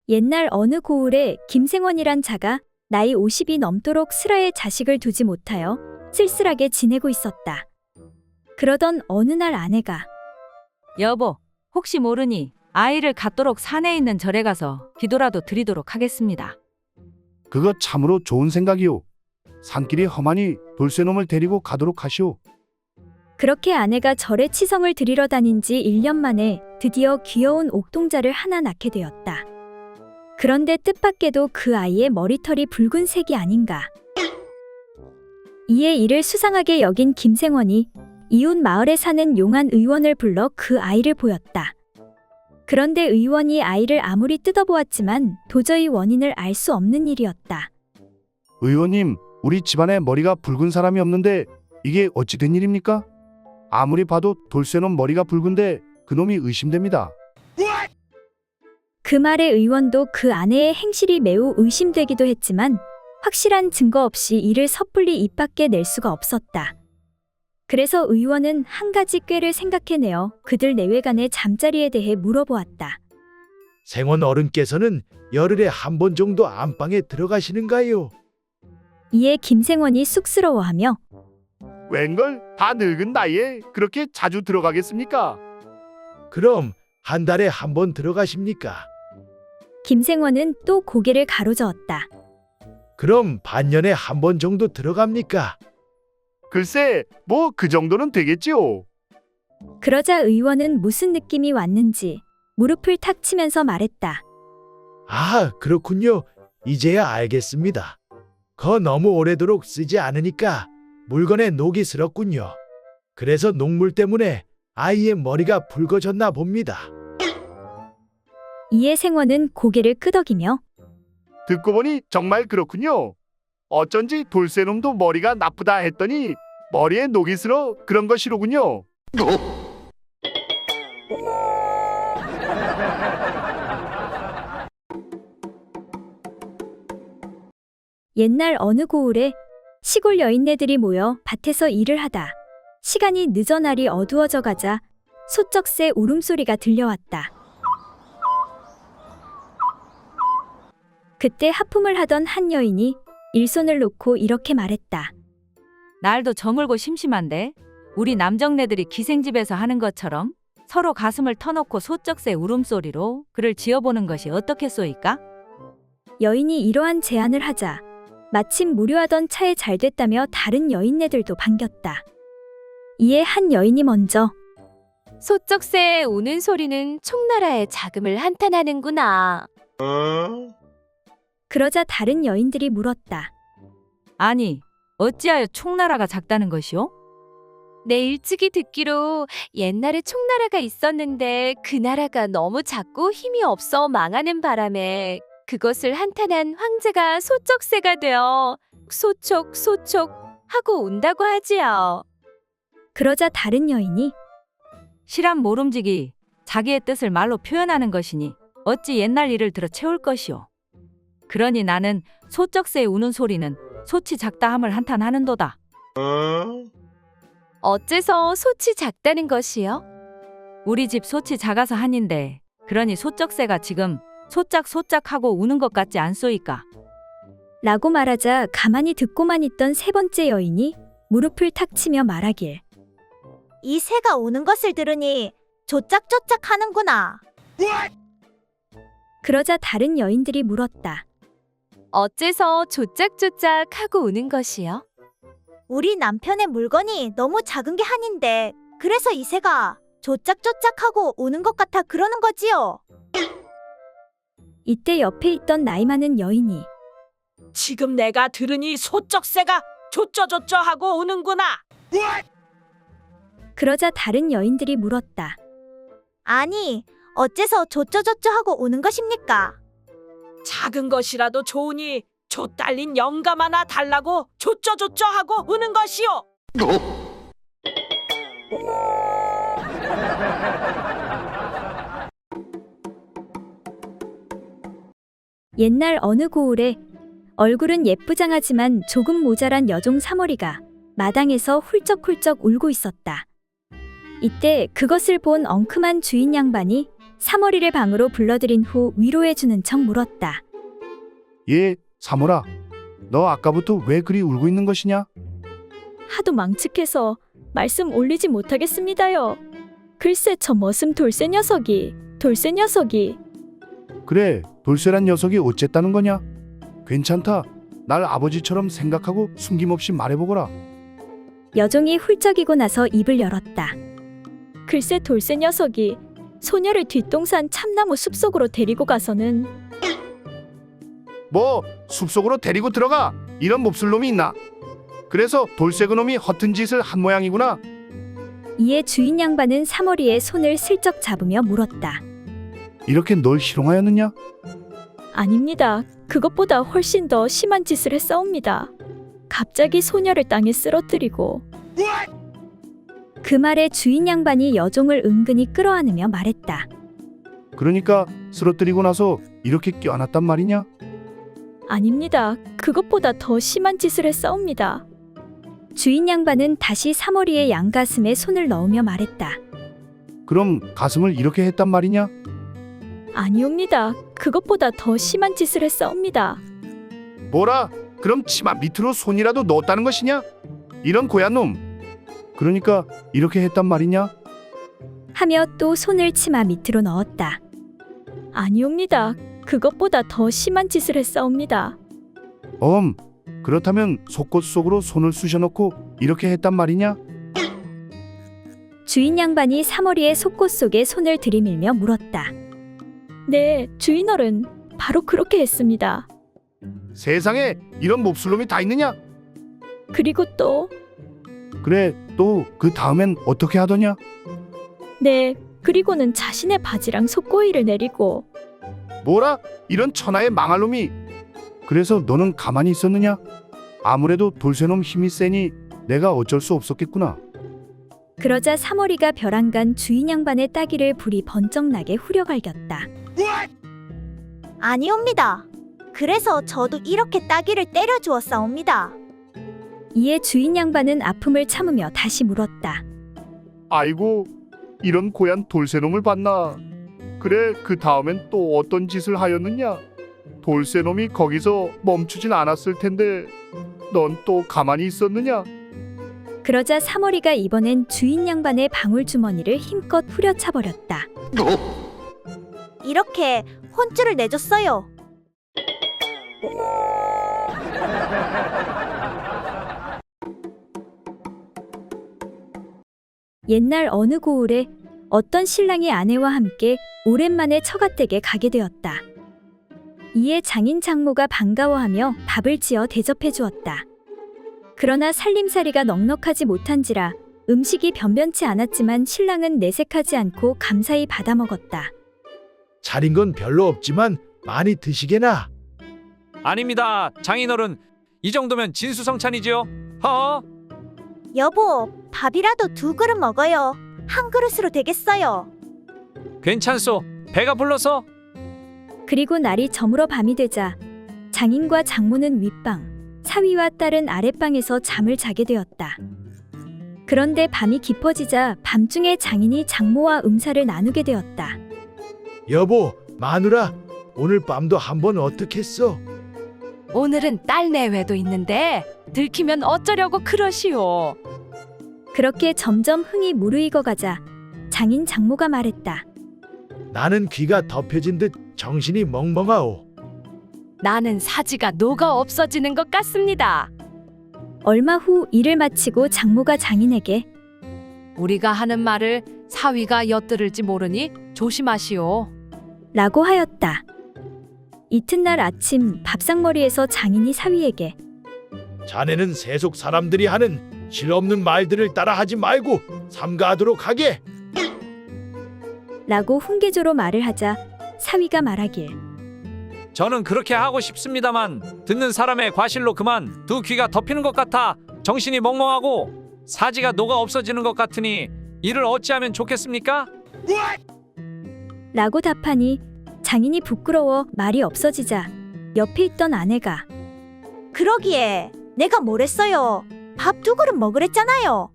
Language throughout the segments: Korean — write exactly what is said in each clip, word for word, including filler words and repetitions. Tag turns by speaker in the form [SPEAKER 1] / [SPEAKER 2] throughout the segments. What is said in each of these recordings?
[SPEAKER 1] 옛날 어느 고을에 김생원이란 자가 나이 오십이 넘도록 슬하에 자식을 두지 못하여 쓸쓸하게 지내고 있었다. 그러던 어느 날 아내가
[SPEAKER 2] 여보, 혹시 모르니 아이를 갖도록 산에 있는 절에 가서 기도라도 드리도록 하겠습니다.
[SPEAKER 3] 그거 참으로 좋은 생각이오. 산길이 험하니 돌쇠놈을 데리고 가도록 하시오.
[SPEAKER 1] 그렇게 아내가 절에 치성을 드리러 다닌 지 일 년 만에 드디어 귀여운 옥동자를 하나 낳게 되었다. 그런데 뜻밖에도 그 아이의 머리털이 붉은색이 아닌가. 이에 이를 수상하게 여긴 김생원이 이웃 마을에 사는 용한 의원을 불러 그 아이를 보였다. 그런데 의원이 아이를 아무리 뜯어보았지만 도저히 원인을 알 수 없는 일이었다.
[SPEAKER 3] 의원님, 우리 집안에 머리가 붉은 사람이 없는데 이게 어찌 된 일입니까? 아무리 봐도 돌쇠놈 머리가 붉은데 그놈이 의심됩니다.
[SPEAKER 1] 그 말에 의원도 그 아내의 행실이 매우 의심되기도 했지만 확실한 증거 없이 이를 섣불리 입 밖에 낼 수가 없었다. 그래서 의원은 한 가지 꾀를 생각해내어 그들 내외간의 잠자리에 대해 물어보았다.
[SPEAKER 4] 생원 어른께서는 열흘에 한 번 정도 안방에 들어가시는가요?
[SPEAKER 1] 이에 김생원이 쑥스러워하며
[SPEAKER 3] 웬걸 다 늙은 나이에 그렇게 자주 들어가겠습니까?
[SPEAKER 4] 그럼 한 달에 한 번 들어가십니까?
[SPEAKER 1] 김생원은 또 고개를 가로저었다.
[SPEAKER 4] 그럼 반년에 한 번 정도 들어갑니까?
[SPEAKER 3] 글쎄, 뭐 그 정도는 되겠지요.
[SPEAKER 1] 그러자 의원은 무슨 느낌이 왔는지 무릎을 탁 치면서 말했다.
[SPEAKER 4] 아, 그렇군요. 이제야 알겠습니다. 거 너무 오래도록 쓰지 않으니까 물건에 녹이 슬었군요. 그래서 녹물 때문에 아이의 머리가 붉어졌나 봅니다.
[SPEAKER 1] 이에 생원은 고개를 끄덕이며
[SPEAKER 3] 듣고 보니 정말 그렇군요. 어쩐지 돌쇠놈도 머리가 나쁘다 했더니 머리에 녹이 슬어 그런 것이로군요.
[SPEAKER 1] 옛날 어느 고을에 시골 여인네들이 모여 밭에서 일을 하다 시간이 늦어 날이 어두워져 가자 소쩍새 울음소리가 들려왔다. 그때 하품을 하던 한 여인이 일손을 놓고 이렇게 말했다.
[SPEAKER 2] 날도 저물고 심심한데 우리 남정네들이 기생집에서 하는 것처럼 서로 가슴을 터놓고 소쩍새 울음소리로 글을 지어보는 것이 어떻겠소이까?
[SPEAKER 1] 여인이 이러한 제안을 하자 마침 무료하던 차에 잘 됐다며 다른 여인네들도 반겼다. 이에 한 여인이 먼저
[SPEAKER 5] 소쩍새의 우는 소리는 총나라의 자금을 한탄하는구나.
[SPEAKER 1] 그러자 다른 여인들이 물었다.
[SPEAKER 2] 아니, 어찌하여 총나라가 작다는 것이오?
[SPEAKER 5] 내 일찍이 듣기로 옛날에 총나라가 있었는데 그 나라가 너무 작고 힘이 없어 망하는 바람에 그것을 한탄한 황제가 소쩍새가 되어 소촉 소촉 하고 온다고 하지요.
[SPEAKER 1] 그러자 다른 여인이
[SPEAKER 2] 실한 모름지기 자기의 뜻을 말로 표현하는 것이니 어찌 옛날 일을 들어 채울 것이오. 그러니 나는 소쩍새의 우는 소리는 소치 작다함을 한탄하는도다.
[SPEAKER 5] 어째서 소치 작다는 것이요?
[SPEAKER 2] 우리 집 소치 작아서 한인데 그러니 소쩍새가 지금 소짝소짝 하고 우는 것 같지 않소이까?
[SPEAKER 1] 라고 말하자 가만히 듣고만 있던 세 번째 여인이 무릎을 탁 치며 말하길.
[SPEAKER 6] 이 새가 우는 것을 들으니 조짝조짝 하는구나.
[SPEAKER 1] 그러자 다른 여인들이 물었다.
[SPEAKER 5] 어째서 조짝조짝 하고 우는 것이요?
[SPEAKER 6] 우리 남편의 물건이 너무 작은 게 한인데 그래서 이 새가 조짝조짝하고 우는 것 같아 그러는 거지요.
[SPEAKER 1] 이때 옆에 있던 나이 많은 여인이
[SPEAKER 7] 지금 내가 들으니 소쩍새가 조쩌조쩌 하고 우는구나.
[SPEAKER 1] 그러자 다른 여인들이 물었다.
[SPEAKER 6] 아니, 어째서 조쩌조쩌 하고 우는 것입니까?
[SPEAKER 7] 작은 것이라도 좋으니 조 딸린 영감 하나 달라고 조쩌조쩌 하고 우는 것이오.
[SPEAKER 1] 옛날 어느 고을에 얼굴은 예쁘장하지만 조금 모자란 여종 사머리가 마당에서 훌쩍훌쩍 울고 있었다. 이때 그것을 본 엉큼한 주인 양반이 사머리를 방으로 불러들인 후 위로해주는 척 물었다.
[SPEAKER 3] 예, 사모라. 너 아까부터 왜 그리 울고 있는 것이냐?
[SPEAKER 1] 하도 망측해서 말씀 올리지 못하겠습니다요. 글쎄 저 머슴 돌쇠 녀석이, 돌쇠 녀석이.
[SPEAKER 3] 그래, 돌쇠란 녀석이 어쨌다는 거냐? 괜찮다. 날 아버지처럼 생각하고 숨김없이 말해보거라.
[SPEAKER 1] 여종이 훌쩍이고 나서 입을 열었다. 글쎄 돌쇠 녀석이 소녀를 뒷동산 참나무 숲속으로 데리고 가서는
[SPEAKER 3] 뭐 숲속으로 데리고 들어가? 이런 몹쓸 놈이 있나? 그래서 돌쇠 그놈이 허튼 짓을 한 모양이구나.
[SPEAKER 1] 이에 주인 양반은 사머리의 손을 슬쩍 잡으며 물었다.
[SPEAKER 3] 이렇게 널 희롱하였느냐?
[SPEAKER 1] 아닙니다. 그것보다 훨씬 더 심한 짓을 했사옵니다. 갑자기 소녀를 땅에 쓰러뜨리고. 그 말에 주인 양반이 여종을 은근히 끌어안으며 말했다.
[SPEAKER 3] 그러니까 쓰러뜨리고 나서 이렇게 껴안았단 말이냐?
[SPEAKER 1] 아닙니다. 그것보다 더 심한 짓을 했사옵니다. 주인 양반은 다시 사머리의 양가슴에 손을 넣으며 말했다.
[SPEAKER 3] 그럼 가슴을 이렇게 했단 말이냐?
[SPEAKER 1] 아니옵니다. 그것보다 더 심한 짓을 했사옵니다.
[SPEAKER 3] 뭐라? 그럼 치마 밑으로 손이라도 넣었다는 것이냐? 이런 고얀 놈. 그러니까 이렇게 했단 말이냐?
[SPEAKER 1] 하며 또 손을 치마 밑으로 넣었다. 아니옵니다. 그것보다 더 심한 짓을 했사옵니다.
[SPEAKER 3] 엄, 그렇다면 속옷 속으로 손을 쑤셔넣고 이렇게 했단 말이냐?
[SPEAKER 1] 주인 양반이 사머리의 속옷 속에 손을 들이밀며 물었다. 네, 주인어른, 바로 그렇게 했습니다.
[SPEAKER 3] 세상에 이런 몹쓸 놈이 다 있느냐?
[SPEAKER 1] 그리고 또,
[SPEAKER 3] 그래, 또 그 다음엔 어떻게 하더냐?
[SPEAKER 1] 네, 그리고는 자신의 바지랑 속고이를 내리고.
[SPEAKER 3] 뭐라? 이런 천하의 망할 놈이. 그래서 너는 가만히 있었느냐? 아무래도 돌쇠놈 힘이 세니 내가 어쩔 수 없었겠구나.
[SPEAKER 1] 그러자 사머리가 벼랑간 주인 양반의 따귀를 불이 번쩍 나게 후려갈겼다.
[SPEAKER 6] 아니옵니다. 그래서 저도 이렇게 따귀를 때려 주었사옵니다.
[SPEAKER 1] 이에 주인 양반은 아픔을 참으며 다시 물었다.
[SPEAKER 3] 아이고, 이런 고얀 돌쇠놈을 봤나? 그래, 그 다음엔 또 어떤 짓을 하였느냐? 돌쇠놈이 거기서 멈추진 않았을 텐데 넌 또 가만히 있었느냐?
[SPEAKER 1] 그러자 사머리가 이번엔 주인 양반의 방울주머니를 힘껏 후려차버렸다.
[SPEAKER 6] 이렇게 혼쭐을 내줬어요.
[SPEAKER 1] 옛날 어느 고을에 어떤 신랑이 아내와 함께 오랜만에 처갓댁에 가게 되었다. 이에 장인 장모가 반가워하며 밥을 지어 대접해 주었다. 그러나 살림살이가 넉넉하지 못한지라 음식이 변변치 않았지만 신랑은 내색하지 않고 감사히 받아 먹었다.
[SPEAKER 4] 차린 건 별로 없지만 많이 드시게나.
[SPEAKER 8] 아닙니다. 장인어른, 이 정도면 진수성찬이지요. 허.
[SPEAKER 6] 여보, 밥이라도 두 그릇 먹어요. 한 그릇으로 되겠어요.
[SPEAKER 8] 괜찮소. 배가 불러서.
[SPEAKER 1] 그리고 날이 저물어 밤이 되자 장인과 장모는 윗방, 사위와 딸은 아랫방에서 잠을 자게 되었다. 그런데 밤이 깊어지자 밤중에 장인이 장모와 음사를 나누게 되었다.
[SPEAKER 4] 여보, 마누라, 오늘 밤도 한번 어떻겠어?
[SPEAKER 5] 오늘은 딸 내외도 있는데 들키면 어쩌려고 그러시오.
[SPEAKER 1] 그렇게 점점 흥이 무르익어 가자 장인 장모가 말했다.
[SPEAKER 4] 나는 귀가 덮여진 듯 정신이 멍멍하오.
[SPEAKER 5] 나는 사지가 녹아 없어지는 것 같습니다.
[SPEAKER 1] 얼마 후 일을 마치고 장모가 장인에게
[SPEAKER 5] 우리가 하는 말을 사위가 엿들을지 모르니 조심하시오.
[SPEAKER 1] 라고 하였다. 이튿날 아침 밥상머리에서 장인이 사위에게
[SPEAKER 4] 자네는 세속 사람들이 하는 실없는 말들을 따라하지 말고 삼가하도록 하게.
[SPEAKER 1] 라고 훈계조로 말을 하자 사위가 말하길
[SPEAKER 8] 저는 그렇게 하고 싶습니다만 듣는 사람의 과실로 그만 두 귀가 덮이는 것 같아 정신이 멍멍하고 사지가 녹아 없어지는 것 같으니 이를 어찌하면 좋겠습니까?
[SPEAKER 1] 라고 답하니 장인이 부끄러워 말이 없어지자 옆에 있던 아내가
[SPEAKER 6] 그러기에 내가 뭘 했어요. 밥 두 그릇 먹으랬잖아요.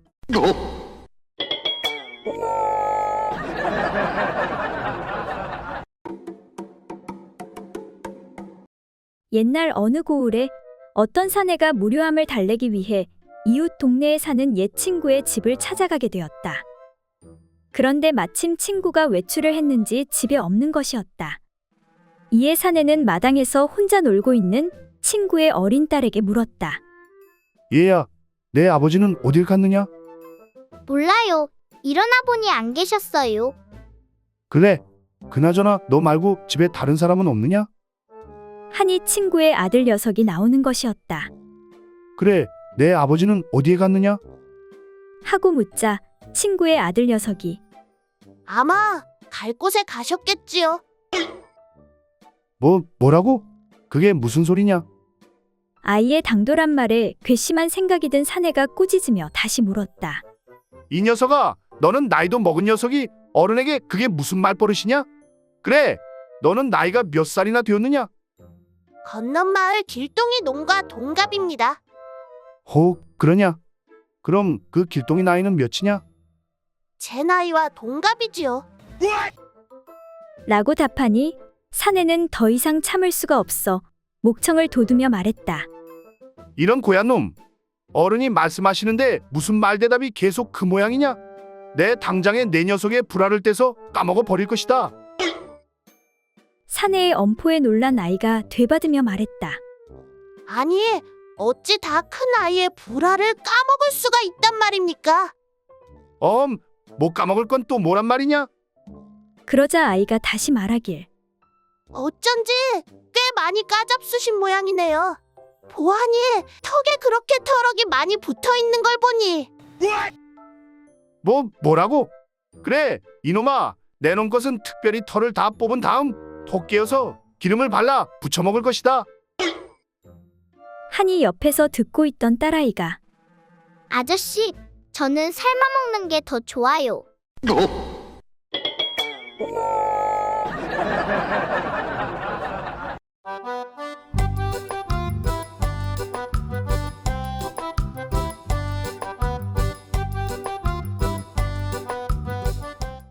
[SPEAKER 1] 옛날 어느 고을에 어떤 사내가 무료함을 달래기 위해 이웃 동네에 사는 옛 친구의 집을 찾아가게 되었다. 그런데 마침 친구가 외출을 했는지 집에 없는 것이었다. 이에 사내는 마당에서 혼자 놀고 있는 친구의 어린 딸에게 물었다.
[SPEAKER 3] 얘야, 내 아버지는 어딜 갔느냐?
[SPEAKER 9] 몰라요. 일어나 보니 안 계셨어요.
[SPEAKER 3] 그래, 그나저나 너 말고 집에 다른 사람은 없느냐?
[SPEAKER 1] 하니 친구의 아들 녀석이 나오는 것이었다.
[SPEAKER 3] 그래, 내 아버지는 어디에 갔느냐?
[SPEAKER 1] 하고 묻자 친구의 아들 녀석이
[SPEAKER 6] 아마 갈 곳에 가셨겠지요.
[SPEAKER 3] 뭐, 뭐라고? 그게 무슨 소리냐?
[SPEAKER 1] 아이의 당돌한 말에 괘씸한 생각이 든 사내가 꾸짖으며 다시 물었다.
[SPEAKER 3] 이 녀석아, 너는 나이도 먹은 녀석이 어른에게 그게 무슨 말버릇이냐? 그래, 너는 나이가 몇 살이나 되었느냐?
[SPEAKER 6] 건넌 마을 길동이 농가 동갑입니다.
[SPEAKER 3] 혹, 그러냐? 그럼 그 길동이 나이는 몇이냐?
[SPEAKER 6] 제 나이와 동갑이지요.
[SPEAKER 1] 라고 답하니 사내는 더 이상 참을 수가 없어 목청을 돋우며 말했다.
[SPEAKER 3] 이런 고얀 놈, 어른이 말씀하시는데 무슨 말대답이 계속 그 모양이냐? 내 당장에 내 녀석의 불알을 떼서 까먹어 버릴 것이다.
[SPEAKER 1] 사내의 엄포에 놀란 아이가 되받으며 말했다.
[SPEAKER 6] 아니, 어찌 다 큰 아이의 불알을 까먹을 수가 있단 말입니까?
[SPEAKER 3] 엄, 못 까먹을 건 또 뭐란 말이냐?
[SPEAKER 1] 그러자 아이가 다시 말하길.
[SPEAKER 6] 어쩐지 꽤 많이 까잡수신 모양이네요. 보아니 턱에 그렇게 털럭이 많이 붙어 있는 걸 보니.
[SPEAKER 3] 뭐, 뭐라고? 그래, 이놈아, 내놓은 것은 특별히 털을 다 뽑은 다음 톡 깨어서 기름을 발라 부쳐 먹을 것이다.
[SPEAKER 1] 하니 옆에서 듣고 있던 딸아이가
[SPEAKER 9] 아저씨, 저는 삶아 먹는 게 더 좋아요.